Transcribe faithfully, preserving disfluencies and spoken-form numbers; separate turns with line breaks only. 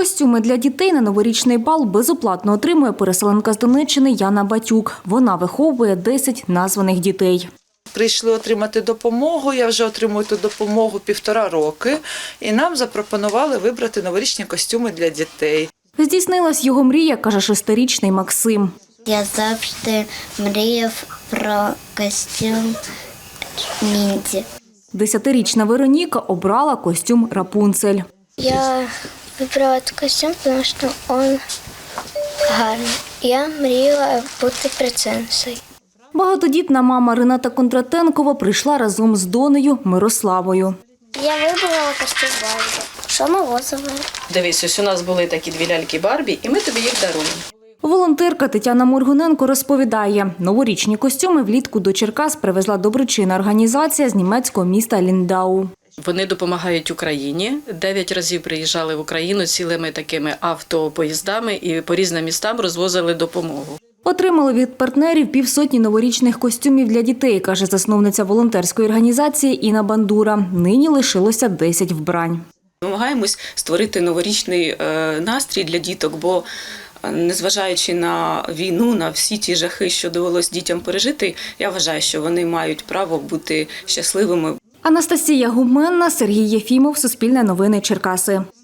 Костюми для дітей на новорічний бал безоплатно отримує переселенка з Донеччини Яна Батюк. Вона виховує десять названих дітей.
Прийшли отримати допомогу, я вже отримую ту допомогу півтора роки, і нам запропонували вибрати новорічні костюми для дітей.
Здійснилась його мрія, каже шестирічний Максим.
Я завжди мріяв про костюм Мінді.
Десятирічна Вероніка обрала костюм Рапунцель.
Я вибрала цей костюм, тому що він гарний. Я мріяла бути принцесою.
Багатодітна мама Рената Кондратенкова прийшла разом з донею Мирославою.
Я вибрала костюм Барбі. Що морозове?
Дивись, ось у нас були такі дві ляльки Барбі, і ми тобі їх даруємо.
Волонтерка Тетяна Моргуненко розповідає, новорічні костюми влітку до Черкас привезла доброчинна організація з німецького міста Ліндау.
Вони допомагають Україні. Дев'ять разів приїжджали в Україну цілими такими автопоїздами і по різним містам розвозили допомогу.
Отримали від партнерів півсотні новорічних костюмів для дітей, каже засновниця волонтерської організації Інна Бандура. Нині лишилося десять вбрань.
Намагаємось створити новорічний настрій для діток, бо незважаючи на війну, на всі ті жахи, що довелось дітям пережити, я вважаю, що вони мають право бути щасливими.
Анастасія Гуменна, Сергій Єфімов, Суспільне новини, Черкаси.